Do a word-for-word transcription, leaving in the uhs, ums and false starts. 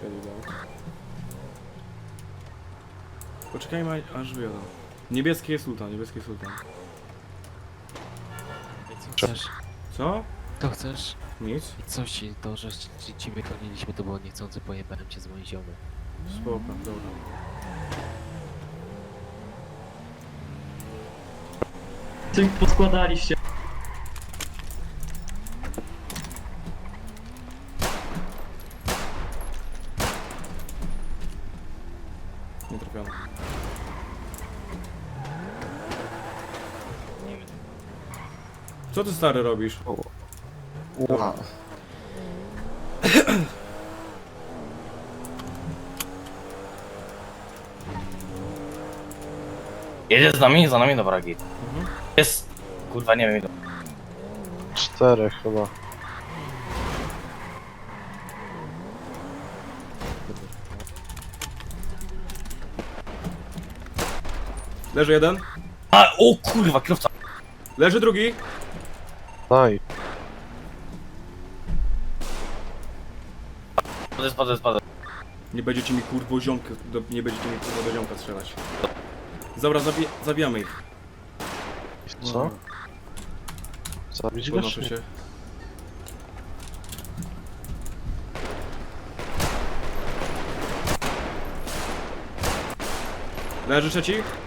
strzelił, dał. Poczekajmy aż wyjadą. Niebieski jest sultan, niebieski jest sultan. Co chcesz? Co? To chcesz? Nic? Co ci, to, że ci, ciebie goniliśmy, to było niechcący, pojebałem cię z moim ziomem. Spoko, dobra. Coś poskładaliście. Nie trafiono. Co ty stary robisz? Ła. Jedzie z nami, za nami, dobra, git. Mhm. Jest, kurwa, nie wiem ile. Czterech chyba. Leży jeden. A, o kurwa, kierowca. Leży drugi. Daj. Spadaj, spadaj, spadaj. Nie będziecie mi kurwo ziomkę, do, nie będziecie mi kurwo do ziomka strzelać. Dobra, zabi zabijamy ich. Co? Zabić go? Podnoszę czy się. nie? Leży trzeci.